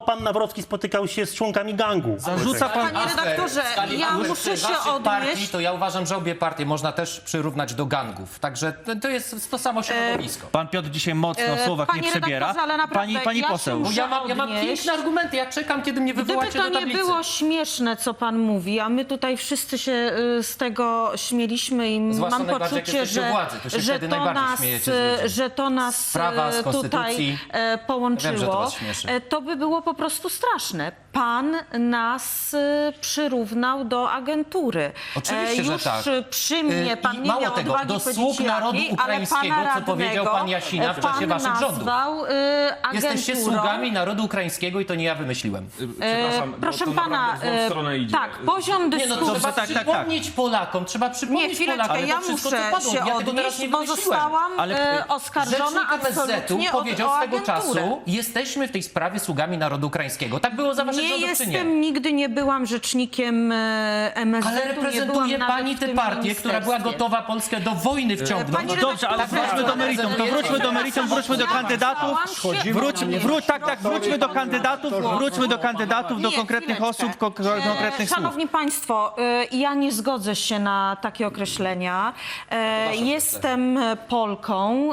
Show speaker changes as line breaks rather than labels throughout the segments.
pan Nawrocki spotykał się z członkami gangu.
Zarzuca pan...
Panie redaktorze, ja muszę się
partii,
odnieść.
to ja uważam, że obie partie można też przyrównać do gangów. Także to jest to samo środowisko.
Pan Piotr dzisiaj mocno w słowach
panie
nie przebiera.
redaktorze, ale naprawdę
Pani
ja się
poseł.
muszę
Bo ja mam
odnieść.
piękne argumenty, ja czekam, kiedy mnie
Gdyby
wywołacie
to
do
nie
tablicy.
było śmieszne, co pan mówi, a my tutaj wszyscy się z tego śmieliśmy i
Zwłaszcza
mam
najbardziej, jak
poczucie,
jesteście u władzy, to się wtedy najbardziej śmiejecie z ludzi.
że to nas
Sprawa z
tutaj
konstytucji.
połączyło,
Wiem, że to was śmieszy.
to by było po prostu straszne. Pan nas przyrównał do agentury.
Oczywiście, że
już
tak.
przy mnie pan nie
mało
miał
tego,
odwagi
do
powiedzieć
sług narodu
jakiej,
ukraińskiego,
ale pana
co powiedział
radnego
pan Jasina w czasie
pan
waszych rządów.
nazwał
Jesteście
agenturą.
sługami narodu ukraińskiego i to nie ja wymyśliłem.
Przepraszam,
proszę
bo to
pana,
naprawdę w złą stronę idzie.
tak, poziom
Nie, no
dyskusji.
trzeba
tak.
przypomnieć Polakom, trzeba
Nie,
przypomnieć
chwileczkę,
Polakom,
ja
to wszystko,
muszę
co padło.
się
Ja tego teraz
odnieść,
nie
bo
wymyśliłem.
zostałam
Ale
oskarżona
Rzecznik MSZ-u
absolutnie
powiedział
o
swego
agenturę.
czasu, jesteśmy w tej sprawie sługami narodu ukraińskiego. Tak było za waszych
Nie
rządów, czy nie?
jestem, nigdy nie byłam rzecznikiem MSZ-u.
Ale reprezentuje pani tę partię, która była gotowa Polskę do wojny wciągnąć.
Pani
No dobrze, ale wróćmy do meritum. To wróćmy do meritum, wróćmy do kandydatów. Wróćmy do kandydatów, do konkretnych osób, konkretnych słów.
Szanowni Państwo, ja nie zgodzę się na takie określenia. Jestem Polką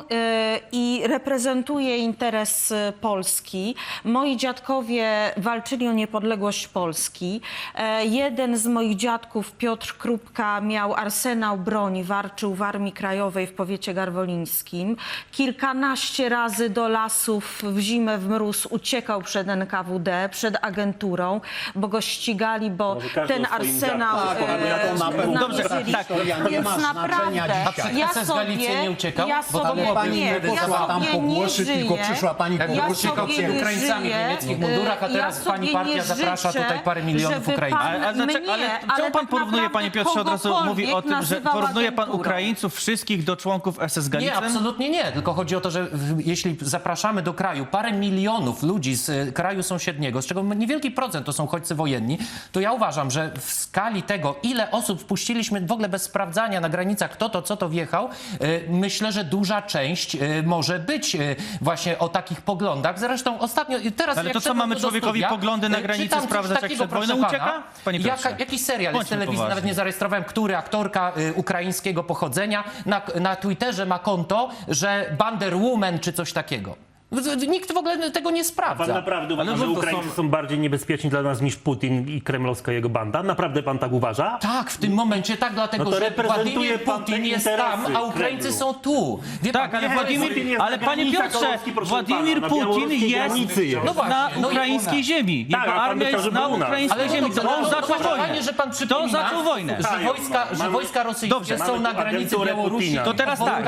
i reprezentuję interes Polski. Moi dziadkowie walczyli o niepodległość Polski. Jeden z moich dziadków, Piotr Krupka, miał arsenał broni, walczył w Armii Krajowej w powiecie garwolińskim. Kilkanaście razy do lasów w zimę, w mróz uciekał przed NKWD, przed agenturą, bo go ścigali, bo
każdy
ten
o swoim
arsenał
dziadku. Ja to na pewno.
Dobrze,
namierzyli.
tak.
nie
Więc
ma znaczenia
naprawdę,
dzisiaj.
A przed Galicję nie uciekał?
ja
Bo to
sobie
byłoby
Pani
nie,
nie
ja
posłała tam
sobie
po
nie
głosy, tylko
żyję.
przyszła pani po
Jakby
Ja
głosy.
uciekał
sobie
przed
nie
Ukraińcami w
żyję,
niemieckich mundurach, a teraz
ja
pani
sobie
partia
nie
zaprasza
życzę,
tutaj parę milionów
żeby
Ukraińców.
pan
Ale
mnie,
czemu
ale
pan
tak
porównuje,
naprawdę
panie Piotrze, od razu mówi o tym, że
kogokolwiek
porównuje pan
nazywał
Ukraińców wszystkich do członków SS
Nie,
Galicen?
absolutnie nie. Tylko chodzi o to, że jeśli zapraszamy do kraju parę milionów ludzi z kraju sąsiedniego, z czego niewielki procent to są uchodźcy wojenni, to ja uważam, że w skali tego, ile osób wpuściliśmy w ogóle bez sprawdzania na granicach, kto to, co to wjechał, myślę, że duża część może być właśnie o takich poglądach. Zresztą ostatnio, teraz
Ale
jak
to co,
szedłem
mamy
do
człowiekowi
studia,
poglądy na granicy
czytam coś
sprawdzać, jak
takiego,
przed wojną
proszę
ucieka?
pana,
Panie Piotrze.
jakiś serial jest z
Bądźmy
telewizji, nawet
poważni.
nie zarejestrowałem, który aktorka ukraińskiego pochodzenia na Twitterze ma konto, że Banderwoman czy coś takiego. Nikt w ogóle tego nie
Pan
sprawdza.
naprawdę uważa,
Ale
że
to
Ukraińcy są bardziej niebezpieczni dla nas niż Putin i kremlowska jego banda? Naprawdę pan tak uważa?
Tak, w tym momencie tak, dlatego
No to
że
reprezentuje
Władimir
pan te
Putin jest
interesy
tam, a Ukraińcy
Kremlu.
są tu. Wie
Tak,
pan,
ale
nie,
Putin
Władimir,
jest
ale
na
panie
granicach
Piotrze,
Polski, proszę
Władimir
pana, na
Putin
białoruskiej
jest
granicy jest.
No właśnie,
na
no i
ukraińskiej ziemi. Jego
Tak, ale pan
armia
by chciał,
jest
żeby
na
u nas.
ukraińskiej
Ale
ziemi. To on zaczął
fajnie,
wojnę.
że pan
To
przypomina,
zaczął wojnę.
że wojska rosyjskie
Dobrze,
są
mamy
na
tu
granicy
agenturę
Białorusi.
Putina.
To teraz tak,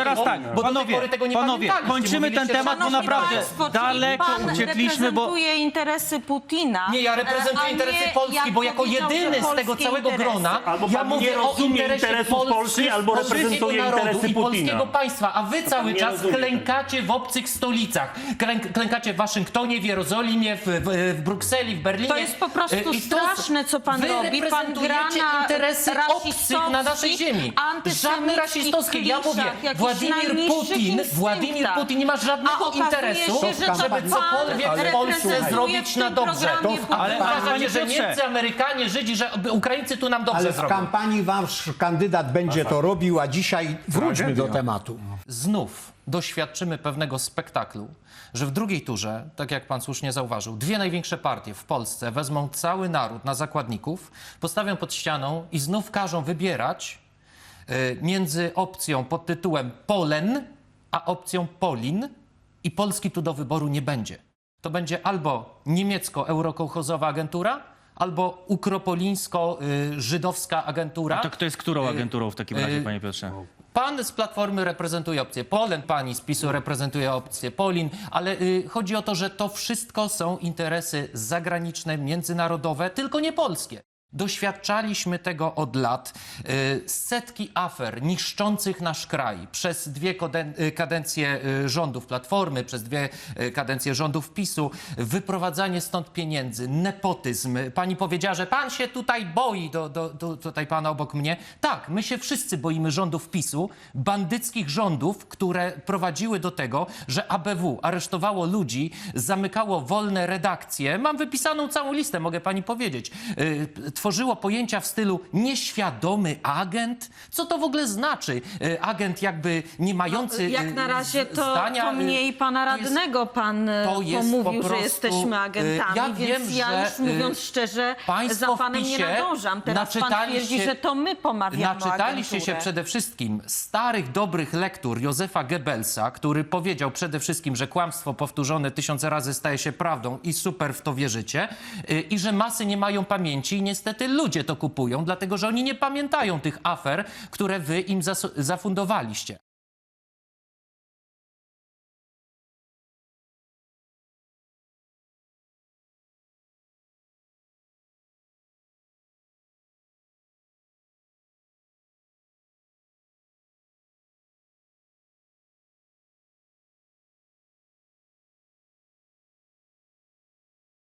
Bo do tej pory tego nie
panowie,
pamiętaliście,
kończymy ten
mówiliście,
temat, bo
że-
naprawdę
Państwo, czyli
daleko
pan
uciekliśmy, bo...
reprezentuje interesy Putina.
Nie, ja reprezentuję
a
interesy
nie,
Polski,
jak
bo jako
powiedział, że
jedyny z tego
polskie
całego
interesy.
grona
Albo
ja
pan nie
mówię o
rozumie
interesie
interesów Polski, albo
polskiego
reprezentuje
narodu
interesy
i polskiego
Putina.
państwa, a wy cały
nie
czas
rozumie
klękacie w obcych stolicach. Klękacie w Waszyngtonie, w Jerozolimie, w Brukseli, w Berlinie.
To jest po prostu
I to
straszne, co pan
wy
robi. Pan gra
reprezentujecie
na
interesy obcych na naszej ziemi. Żadne rasistowskie. Ja mówię, Władimir Putin nie ma żadnego interesu, żeby cokolwiek w Polsce zrobić na dobrze.
Ale
Uważacie,
panie
że
Piotrze,
Niemcy, Amerykanie, Żydzi, że Ukraińcy tu nam dobrze
Ale w
zrobią.
kampanii wasz kandydat będzie to robił, a dzisiaj wróćmy do tematu.
Znów doświadczymy pewnego spektaklu, że w drugiej turze, tak jak pan słusznie zauważył, dwie największe partie w Polsce wezmą cały naród na zakładników, postawią pod ścianą i znów każą wybierać między opcją pod tytułem Polen, a opcją Polin i Polski tu do wyboru nie będzie. To będzie albo niemiecko-eurokołchozowa agentura, albo ukropolińsko-żydowska agentura.
to kto jest którą agenturą w takim razie, panie Piotrze?
Pan z Platformy reprezentuje opcję Polen, pani z PiS-u reprezentuje opcję Polin, ale chodzi o to, że to wszystko są interesy zagraniczne, międzynarodowe, tylko nie polskie. Doświadczaliśmy tego od lat. Setki afer niszczących nasz kraj przez 2 kadencje rządów Platformy, przez 2 kadencje rządów PiS-u, wyprowadzanie stąd pieniędzy, nepotyzm. Pani powiedziała, że pan się tutaj boi, tutaj pana obok mnie. Tak, my się wszyscy boimy rządów PiS-u, bandyckich rządów, które prowadziły do tego, że ABW aresztowało ludzi, zamykało wolne redakcje. Mam wypisaną całą listę, mogę pani powiedzieć. Tworzyło pojęcia w stylu nieświadomy agent. Co to w ogóle znaczy? Agent jakby nie mający
Jak na razie
zdania.
to mniej pana radnego pan pomówił, że jesteśmy agentami,
ja
więc
wiem,
ja już
że,
mówiąc szczerze
państwo
za
w
panem nie
PiS-ie
nadążam. Teraz pan
naczytaliście
twierdzi, że to my pomawiamy
Naczytaliście się
agenturę.
przede wszystkim starych, dobrych lektur Józefa Goebbelsa, który powiedział przede wszystkim, że kłamstwo powtórzone 1000 razy staje się prawdą i super w to wierzycie, i że masy nie mają pamięci i niestety ludzie to kupują, dlatego że oni nie pamiętają tych afer, które wy im zafundowaliście.